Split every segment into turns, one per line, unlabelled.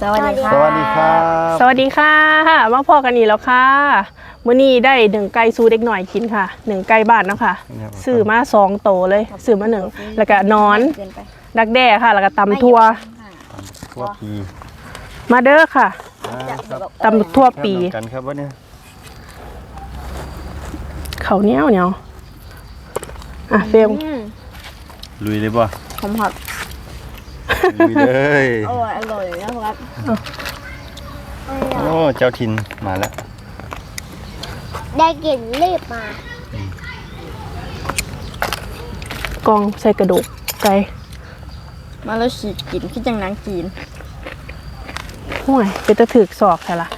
สวัสดีค่ะ
สวัสดีครับ
สวัสดีค่ะมาพอกันอีกแล้วค่ะมื้อนี้ได้หนึ่งไก่ซูเด็กหน่อยกินค่ะหนึ่งไก่บ้านเนาะค่ะซื้อมา2 โตเลยซื้อมา1แล้วก็นอนดักแด้ค่ะแล้วก็ตำทั่ว
ทั่วปี
มาเด้อค่ะ
ครับ
ตำทั่วปี
แข่งกันครับวันนี้
เขาวเหนียวอ่ะเฟรม
ลุยเลยป่ะ
ผมผัด
ลุยเลย
อร่อยนะครับ
โอ้เจ้าถิ่นมาแล้ว
ได้กลิ่นรีบมาก
องใส่กระดูกไก่
มาแล้วฉีกกินคิดจังนางกิน
ห่วยเป็นตะถึกศอกใช่ละ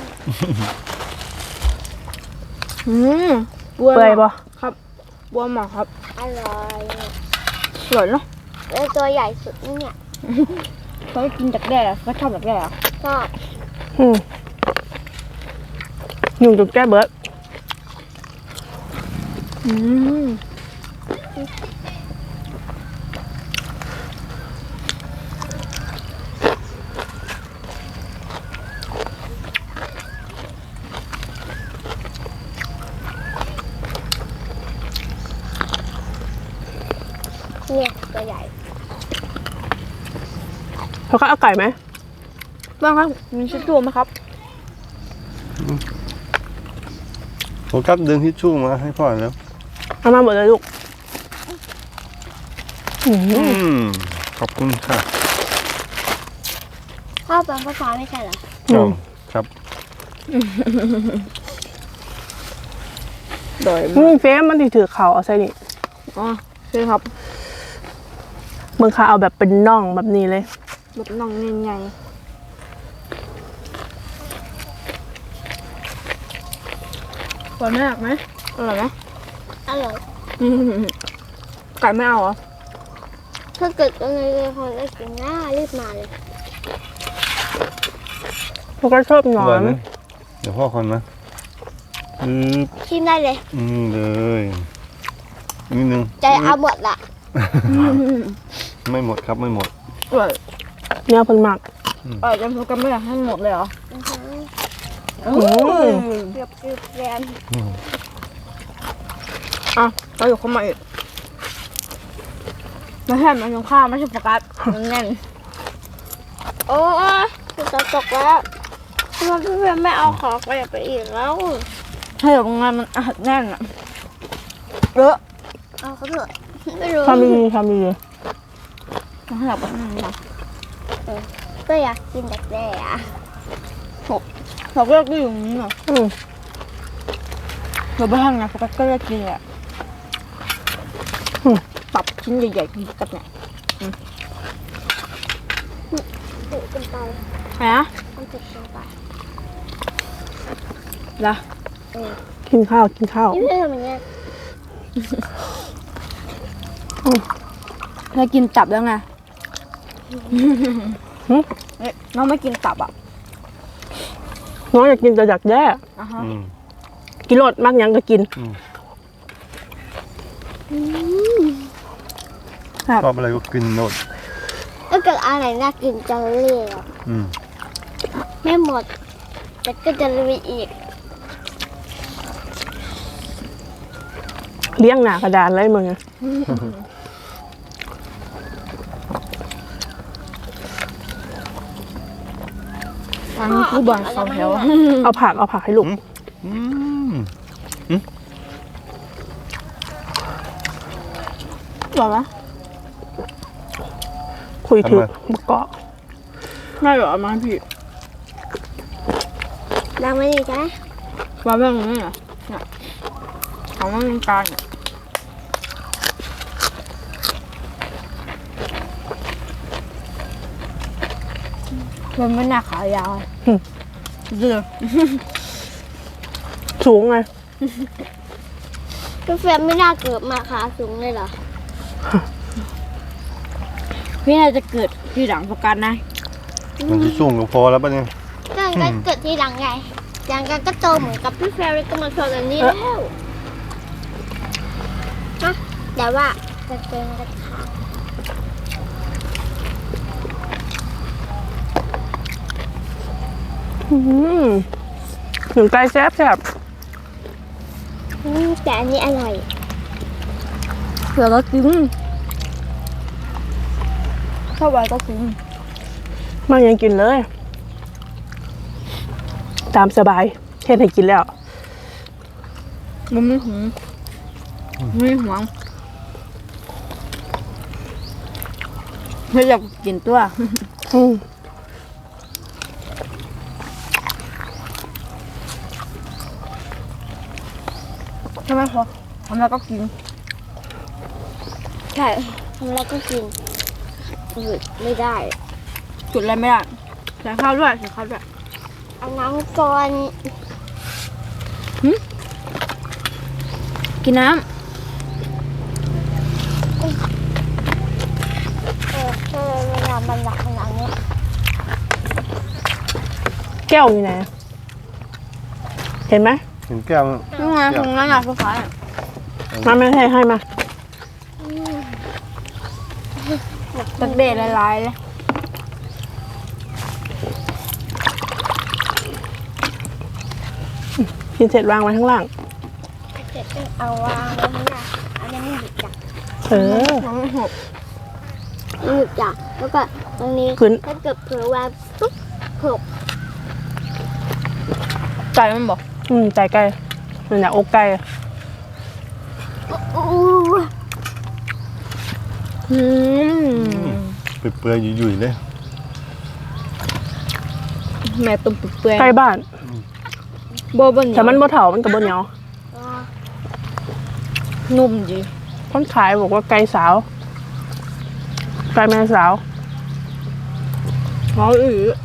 บัว
เปื่อยบ่
ครับบัวหมอกครับ
อร่อย
สวยเนาะ
แล้วตัวใหญ่สุดนี่เนี่ย
เขากินจากแด้ก็ชอบจากแด้
ชอบ
ยุ่งจุดแก้เบิร์ด
เนี่ยตัวใหญ่
เขาก็เอาไก่ไหม
บ้างครับมีชิชชู่ไหมครับ
ผมกับดึงทิชชู่มาให้พ่อแล้ว
เอามาหมดเลยลูก
ขอบคุณค่ะ
พ่อเป็นภาษาไม่ใช่เหรอ
ครับ
โดย
เฟรมมันถือเขาเอาใส่นี่
อ๋อใช่ครับ
มึงค่ะเอาแบบเป็นน่องแบบนี้เลย
แบบน้องใหญ่ๆหวานมากไหมอร่อยไหม
อร่อย
ไก่ไม่เอาเหรอ
ถ้าเกิดยังไงเลยพอได้กินหน้ารีบมาเลย
เขาก็ชอบหนอ
อร่อย
น
ไหมเดี๋ยวพ่อคนนะ
ชิมได้เลย
เลยนิดนึง
ใจเอาหมดละ
ไม่หมดครับไม่หมด
อร่อย
เนี่ยเพิ่นมัก
อร่อยจนพวกกันไม่อยากให้หมดเลยเหรอ
เกือบแรน
อ่ะเราอยู่เข้ามาอีกไม่ใช่มันยังข้าวไม่ใช่โฟกัสมันแน่น
โอ้ยจะตกแล้วทำไมพี่เพื่อนไม่เอาของไปอีกแล้ว
ถ้าอยู่งานมันแน่นอ่ะเยอะ
เอาเขาเถอะไม่รู้
ทำดีทำดี
ถ้าอยากไปนั่นนะ
ก็อยากกินแต่แด่อะ
เราก็อยู่อย่างนี้เหรอเราไปทำงานโฟกัสก็จะกินแหละปรับชิ้นใหญ่ๆกินโฟกัสเนี่ย
ถูกกันไป
ฮะ
มันถูกกันไป
ละ
กินข้าวกินข้าว
นี่เพื่อนทำอย่างเงี้ย
เรากินตับแล้วไงน้องไม่กินตับอ่ะ
น้องอยากกินแต่อยากแย่ กินรสมากยังก็กิน
ชอบอะไรก็กินโนด
ถ้าเกิดอะไรน่ากินจะเรียกไม่หมด แต่ก็จะมีอีก
เลี้ยงหนากระดานเลยมึงอะ
อันนี้คือบอลเขาแถว
เอาผักให้ลูก
บอกว่า
คุยถึงมะกอก
ไม่หรอมาพี่
นางไม่ดีใช่ไหม
ว่าแบบนี้เหรอเนี่ยของมันเป็นการเนี่ยมันไม่หนักขายาวเดือ
สูงไง
พี่เฟรมไม่น่าเกิดมาขาสูงเลยเหรอ
พี่น่าจะเกิดทีหลังโฟกัสนะ
มันจะสูงก็พอแล้วป่ะเนี่ย
ก็เกิดทีหลังไงอย่างกันก็โตเหมือนกับพี่เฟรมก็มาโตแบบนี้แล้วนะแต่ว่าจะเจอกันค่ะ
หนึ่งไก่แซ่บ
แต่อันนี้อร่อย
เผื่อก็กินเข้าไปก็กิน
มายังกินเลย ตามสบายเฮ็ดให้กินแล้ว
มันไม่หวงไม่หวงไม่อยากกินตัว ใช่ไหมพอทำแล้วก็กิน
ใช่ทำแล้วก็กินหยุดไม่ได้
จุดอะไรไม่ได้ใส่ข้าวด้วยใส่ข้าวด้วย
เอาน้ำก่อน
กินน้
เวลามันหนักขนาดนี้
แก้วอยู่ไหนเห็นไหม
เห็นแก้ว
ำนี่ไงตรงนั้นอ่ะฟ้า
มาไม่ให้มา
ตักเด็ดลายๆเลย
กินเสร็จวางไว้ข้างล่าง
เสร็จก็เอาวางไว้ข้างหน้าอันนี้ไม่หยุดจับ
มันไม่หก
ไม่หยุดจับแล้วก็ตรงนี้
ขึ้น
ถ้าเกิดเผลอวางปุ๊บหก
ไก่มันบอก
ใจไก่มันอยากอกไก่
อู้
เปื่อยๆยุ่ยๆเลย
แม่ตุ่มเปื่อย
ไก่บ้าน
โบว์บนเหนียว
แต่มันบ่เถามันกับบ่เหนียว
นุ่มดี
คนขายบอกว่าไก่สาว ไก่แม่สาว
เขา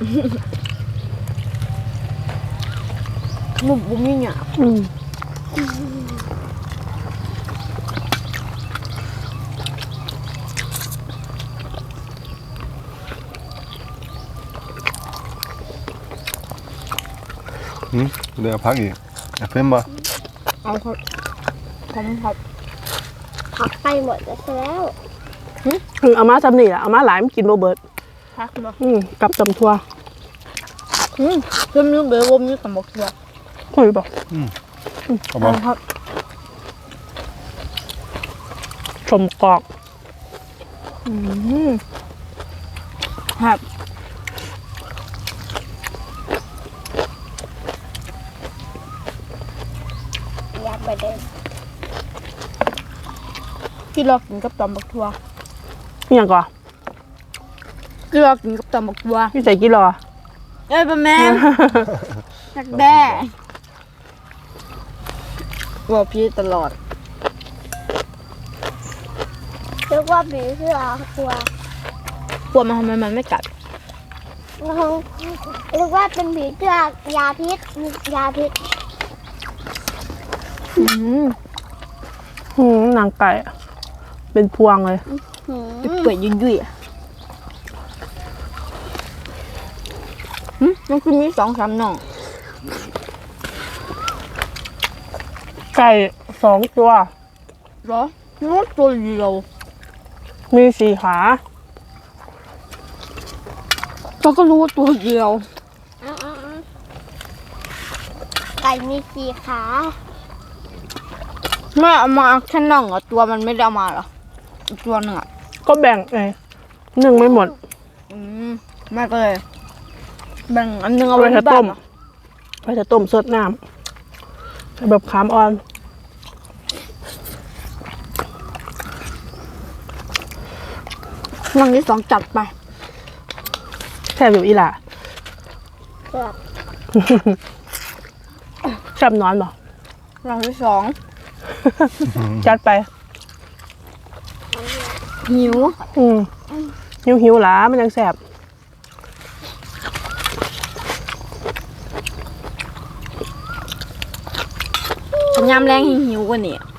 นุ่มบุ้มยิ่งอ่ะ
เดี๋ยวพักอีกอยากเพิ่มบ่
เอาครับผมครับ
ผักไปหมดแล้ว
เอามาซ้ำนี่แหละเอามาหลายมันกินบ่เบิด
พักมา
กับตำทั่ว
เพิ่มนึกเบอร์วมนึกกับหมกตัว
คุยบอก
เอาบ่
ครับ
ชมกอก
ครับ
อยากไปเดิน
ที่เรากินกับตำบักทัว
นี่ยังก่อน
ที่เรากินกับตำบักทัว
พี่ใส่กี่รอ
เอ้ยป้าแม่ตักแด้บอกพี่ตลอด
เรียกว่าผีเสื้อกลัว
กลัวมันทำไมมันไม่กัด
เรียกว่าเป็นผีเสื้อยาพิษมียาพิษ
นางไก่อะเป็นพวงเลย
เปื่อยยุ่ยๆอ่ะมันคือมี2-3หน่อง
ไก่2 ตัว
เหรอนึกว่าตัวเดียว
มี4 ขา
เราก็รู้ว่าตัวเดียว
ไก่มีสี่ขา
แม่เอามาแค่น่องอ่ะตัวมันไม่ได้เอามาเหรออีกตัวหนึ่งอ่ะ
ก็แบ่งไงนึ่งไม่หมด
แม่ก็เลยแบ่งอันนึงเอาไว้
เอาไว้
ที่
ต้
บ้าน
ม
เหรอ
ไปจะต้มสดน้ำแบบขามอ่อน
น่องที่2จัดไป
แซ่บอยู่อีหล่ะ
เกือบ
แซ่บนอนบ่
น่องที่
จัดไป
2หิว
หิวหลามันยังแซ่บ
ยามแรงหิวกว่านี่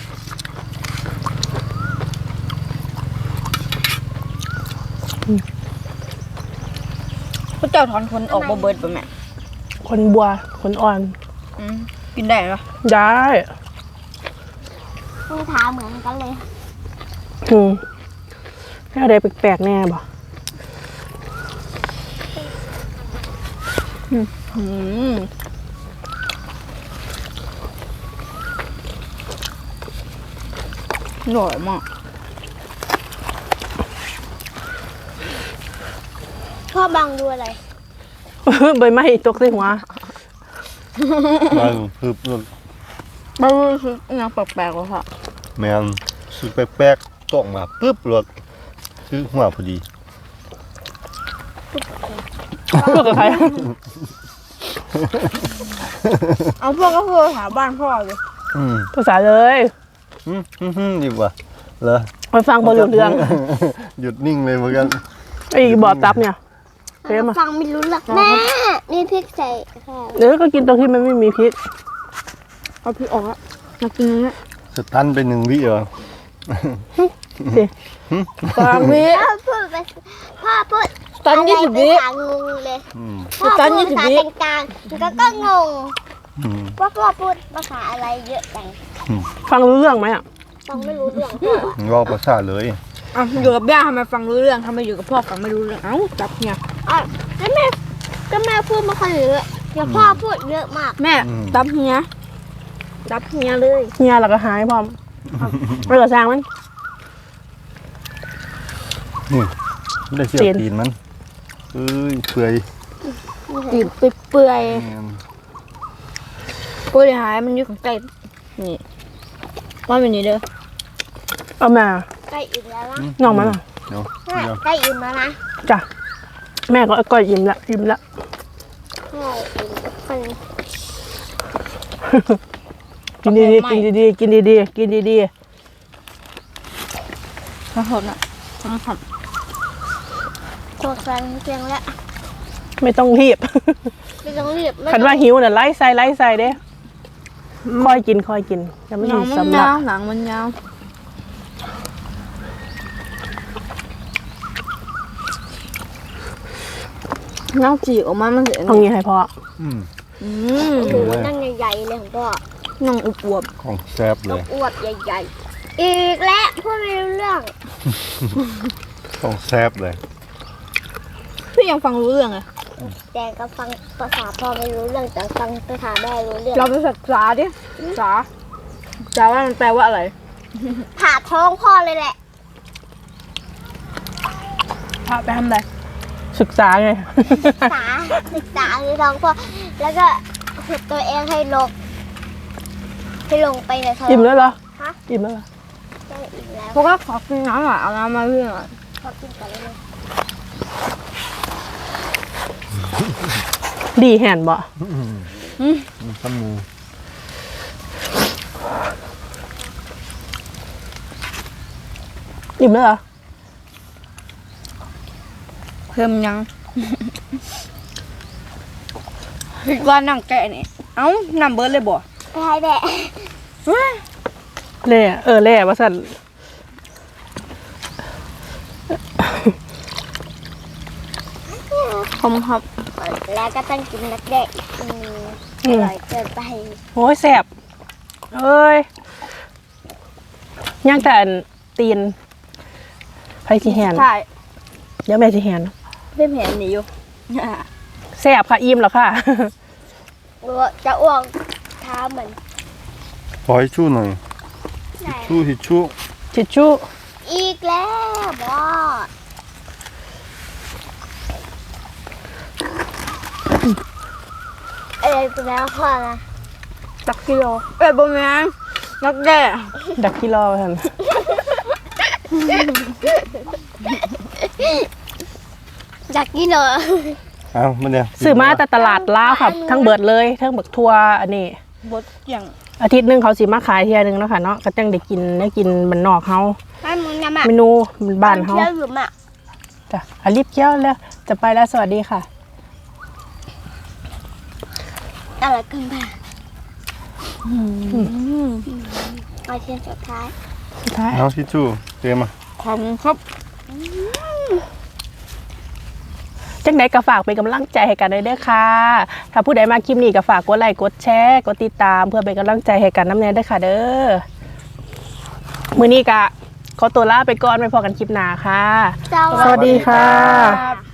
พระเจ้าถอนคนออกบ่เบิดป่ะแม่
คนบัวคนอ่อน
กินได้ปะ
ได้
มือเท้าเหมือนกันเลย
อะไรแปลกๆแน่บ่
อืมอร่อยมาก
พ่อบังดูอะไร
ใบไม้ตกใส่หัว
มันคือ
ไม่รู้สึกยังแปลกๆเลยค่ะ
แมนสุดแปลกๆตกมาปึ๊บรถคือหัวพอดี
พูดกับใคร
เอาพวกก็คือหาบ้านพ่อเลย
ภาษาเลย
ดีกว่าเหรอ
ไปฟังบอลเรื่อง
หยุดนิ่งเลยเหมือนกัน
ไอ้บอดตับเนี่ย เรียกมา
ฟังไม่รู้หรอกแม่นี่พริกใส่ค่ะ
เดี๋ยวก็กินตรงที่มันไม่มีพริก
เอาพี่ออกอะอยากกินอันนี้
สตันไป1 วิเหรอ
สิ
ตามวิ
พ่อพูด
ตอน20 วิ
ภาษางงเลย
อืม
พ่อ
ตอน
พูด
20
ภาษา
วิ
กลางๆก็งง
อืม
ว่าพ่อพูดภาษาอะไรเยอะจัง
ฟังรู้เรื่องไหมอ่ะ
ฟังไม่รู้เรื่องพ่อ
รอประสาทเลย
อ่ะอยู่กับย่าทำไมฟังรู้เรื่องทำไมอยู่กับพ่อฟังไม่รู้เรื่องเอ้าจับเนี่ย
อ่ะแล้วแม่พูดไม่ค่อยเยอะแต่พ่อพูดเยอะมาก
แม่จับเฮียจับเฮียเลย
เฮียเราก็หายพร้อมไม่กระซังมัน
นี่ไม่ได้เสียบ
ตีน
ตีนมันเอ้ยเปื่อย
ตีนเปื่อย
แม่น
ๆปุ้ยหายมันอยู่ข้างใต้นี่ว่าเป็นนี่เด้อ
เอามา
ใกล้อิ่มแล้วนะ
น้องมันอ่ะ
เดี๋ยว
แม่
เดี๋ยว
ใกล้อิ่มแล้วนะ
จ้ะแม่ก็อิ่มละอิ่มละ
ใช่อิ่มทุกคน
กินดีๆกินดีๆกินดีๆกินดี
ขอโทษนะทั้งค
โคตรฟังเพียงแล้ว
ๆไม่ต้องรีบ
ไม่ต้องรีบไม่
คันว่าหิวน่ะไล่ใส่เด้คอยกินจะไม่
หนั
ถึ
ง
ง
มัน
สำลั
ยาก วหนังมันยาวน้ำจีออกมามันเสีย
เอางี้ให้พ่อ
อืม
อืม
โอ้โหนั่งใหญ่ๆเลยของพ่อ
น้องอุบวบ
ของแซ่บเลย
อวบใหญ่ๆ อีกแล้วพูดไม่รู้เรื่อง
ของแซ่บเลย
พี่ยังฟังรู้เรื่องเลย
แต่ก็ฟังภาษาพ่อไม่รู้เรื่องแต่ฟังภาษาแม่รู้เรื่อง
เราไปศึกษาดิศึกษาว่ามันแปลว่าอะไร
ผ่าท้องพ่อเลยแหละ
พาไปทำอะไร
ศึกษาไง
ศึกษาคือท้องพ่อ แล้วก็ฝึกตัวเองให้ลงไปในท้อง
อิ่มแล้วเหรอ
ฮะ
อิ่มแล้วเหรอ
ได้อิ่มแล้ว
พวกก็ขอกินน้ำหน่อยเอาน้ำมาเพื่อน
พอกินกันเลย
ดีแห่นบ่
ข้าวหมู
อิ่มแล้วเหรอ
เพิ่มยังคิดว่านั่งแกะนี่เอ้านำเบิร์ดเลยบ่
ไปให้แบะ
เล่เล่ว่าสั่น
ผมครับ
แล้วก็ต้องกินนักเด็กอร่อยเกินไป
โอ้ยแสบเอ้ยย่างแต่อันตีนไผสิแหน
ใช่
เดี๋ยวแม่สิแหน
เพิ่มเห็นหนีอยู่
แสบค่ะอิ่มแล้วค่ะ
จะอ้วกเท้าเหมือน
ขอให้ชู้หน่อย
ไหน
ชู้ทิชชู่
ทิชชู่
อีกแล้วบอสเป็นแล้วพ่อนะ
ตักกิโลบ่แม่นนักแด่
ดักกิโลท่าน
อยากกินเหรอ
เอามาเนี่ย
ซื้อมาแต่ตลาดลาวครับ ทั้งเบิดเลยทั้งบักทัวอันนี้
บดอย่าง
อาทิตย์หนึงเขาสิมาขายเที่ยหนึงเนาะค่ะเนาะก็จังได้กินบ้านนอกเฮา
ให้มึงนะมา
เมนูบ้านเฮา
เที่ยวหรือมา
จ้ะอารีบเกี้ยวแล้วจะไปแล้วสวัสดีค่ะ
อะไรกันบ้างมาเที่ยวสุดท้าย
สุดท้าย
เอาทิชชู่เตรียมมา
ขอบคุณครับ
จังใดก็ฝากเป็นกำลังใจให้กันด้วยเด้อค่ะ ถ้าผู้ใดมาคลิปนี้ก็ฝากกดไลค์กดแชร์กดติดตามเพื่อเป็นกำลังใจให้กันน้ำแน่ด้วยค่ะเด้อมื้อนี้ก็ขอตัวลาไปก่อนไปพอกันคลิปหน้าค่ะ สวัสดีค่ะ
ครับ